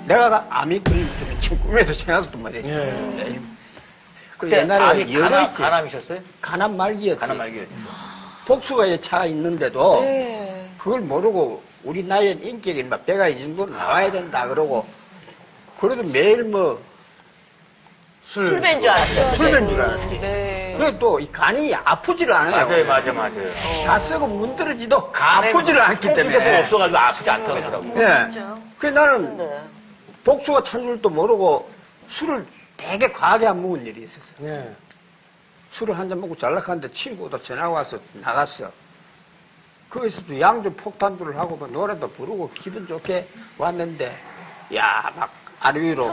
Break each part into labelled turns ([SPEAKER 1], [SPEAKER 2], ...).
[SPEAKER 1] 내가 암이 걸릴 줄은 지금 꿈에도 생각도 못했지.
[SPEAKER 2] 예.
[SPEAKER 1] 그 옛날에
[SPEAKER 3] 암이
[SPEAKER 1] 여러 있지.
[SPEAKER 3] 간암이셨어요?
[SPEAKER 1] 간암 말기였지.
[SPEAKER 3] 간암 말기.
[SPEAKER 1] 복수가 차 있는데도
[SPEAKER 4] 네.
[SPEAKER 1] 그걸 모르고 우리 나이엔 인격이 막 배가 이 정도 나와야 된다 그러고 그래도 매일 뭐
[SPEAKER 5] 술배인 줄 알았어요.
[SPEAKER 1] 술배인 줄 알았지.
[SPEAKER 4] 네.
[SPEAKER 1] 그리고 또 이 간이 아프지를 않아요.
[SPEAKER 3] 맞아요.
[SPEAKER 1] 다 쓰고 문드러지도 아프지를 않기
[SPEAKER 3] 뭐
[SPEAKER 1] 때문에.
[SPEAKER 3] 없어가지고 아프지 않다고 그러더라고요.
[SPEAKER 1] 예. 그래서 나는
[SPEAKER 5] 네.
[SPEAKER 1] 복수가 찬 줄도 모르고 술을 되게 과하게 안 먹은 일이 있었어요.
[SPEAKER 2] 예.
[SPEAKER 1] 술을 한 잔 먹고 잘락하는데 친구도 전화 와서 나갔어. 거기서도 양주 폭탄주를 하고 뭐 노래도 부르고 기분 좋게 왔는데 야 막 아래위로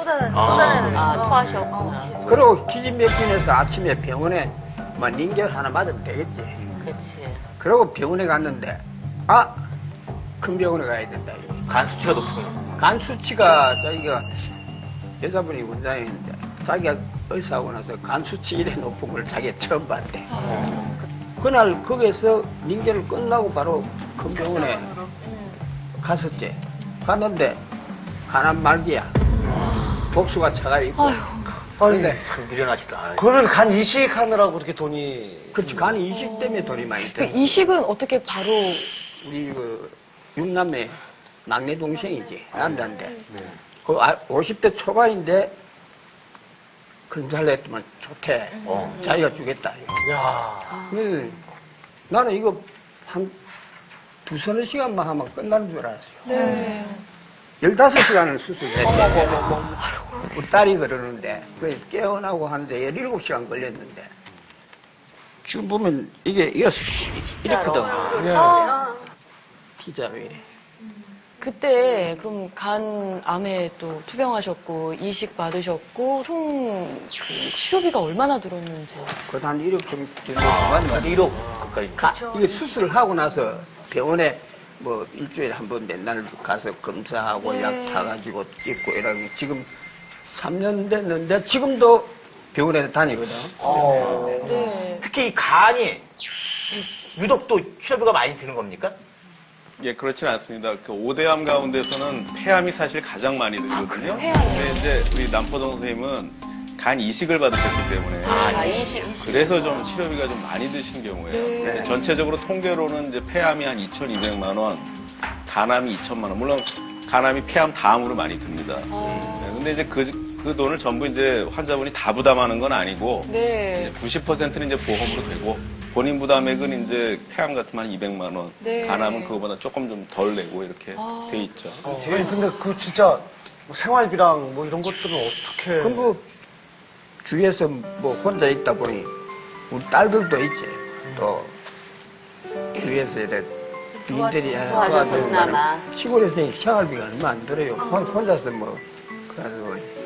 [SPEAKER 5] 토하셨구나.
[SPEAKER 1] 그리고 기진맥진해서 아침에 병원에 뭐 닌겔 하나 맞으면 되겠지.
[SPEAKER 5] 그렇지.
[SPEAKER 1] 그리고 병원에 갔는데 큰 병원에 가야 된다. 이거.
[SPEAKER 3] 간 수치가 높군요.
[SPEAKER 1] 간 수치가 자기가 여자분이 원장이었는데 자기가 의사하고 나서 간 수치 이래 높은 걸 자기가 처음 봤대. 그날 거기에서 닌겔을 끝나고 바로 큰 병원에 갔었지. 갔는데 간암 말기야. 복수가 차가 있고.
[SPEAKER 2] 아니,
[SPEAKER 3] 미련하시다.
[SPEAKER 2] 그러면 간 이식하느라고 그렇게 돈이.
[SPEAKER 1] 그렇지. 간 이식 때문에 돈이 많이
[SPEAKER 4] 그
[SPEAKER 1] 들어.
[SPEAKER 4] 이식은 어떻게 바로
[SPEAKER 1] 우리 그 육남매 막내 동생이지. 남자인데.
[SPEAKER 2] 네.
[SPEAKER 1] 그 50대 초반인데 근살했더만 좋대. 자기가 주겠다.
[SPEAKER 2] 야.
[SPEAKER 1] 나는 이거 한 두서너 시간만 하면 끝나는 줄 알았어요.
[SPEAKER 4] 네.
[SPEAKER 1] 15시간을 수술했대. 우리 딸이 그러는데, 그 깨어나고 하는데 17시간 걸렸는데, 지금 보면 이게 이렇거든.
[SPEAKER 2] 예.
[SPEAKER 1] 피자로 이래.
[SPEAKER 4] 그때 그럼 간암에 또 투병하셨고 이식 받으셨고 그 치료비가 얼마나 들었는지.
[SPEAKER 1] 그것도 한 1억 정도 들었지만,
[SPEAKER 3] 1억 가까이.
[SPEAKER 1] 이게 수술을 하고 나서 병원에 뭐 일주일에 한 번 맨날 가서 검사하고
[SPEAKER 4] 네.
[SPEAKER 1] 약 타가지고 찍고 이러면 지금 3년 됐는데 지금도 병원에 다니거든.
[SPEAKER 4] 네.
[SPEAKER 3] 특히 이 간이 유독 또 치료비가 많이 드는 겁니까?
[SPEAKER 6] 예, 그렇지는 않습니다. 그 5대암 가운데서는 폐암이 사실 가장 많이 들거든요.
[SPEAKER 4] 폐암이요?
[SPEAKER 6] 근데 이제 우리 남포동 선생님은 간 이식을 받으셨기 때문에
[SPEAKER 5] 이식.
[SPEAKER 6] 그래서 좀 치료비가 좀 많이 드신 경우예요.
[SPEAKER 4] 네.
[SPEAKER 6] 전체적으로 통계로는 이제 폐암이 한 2,200만 원, 간암이 2천만 원. 물론 간암이 폐암 다음으로 많이 듭니다. 네, 근데 이제 그 돈을 전부 이제 환자분이 다 부담하는 건 아니고
[SPEAKER 4] 네.
[SPEAKER 6] 90%는 이제 보험으로 되고 본인 부담액은 이제 폐암 같으면 한 200만 원,
[SPEAKER 4] 네.
[SPEAKER 6] 간암은 그거보다 조금 좀 덜 내고 이렇게 돼 있죠.
[SPEAKER 2] 아니, 근데 그 진짜 생활비랑 뭐 이런 것들은 어떻게.
[SPEAKER 1] 그럼 뭐 주위에서 뭐 혼자 있다 보니 우리 딸들도 있지. 또 주위에서 이래 주인들이
[SPEAKER 5] 도와줬구나.
[SPEAKER 1] 시골에서 생활비가 얼마 안 들어요. 혼자서 뭐 그래가지고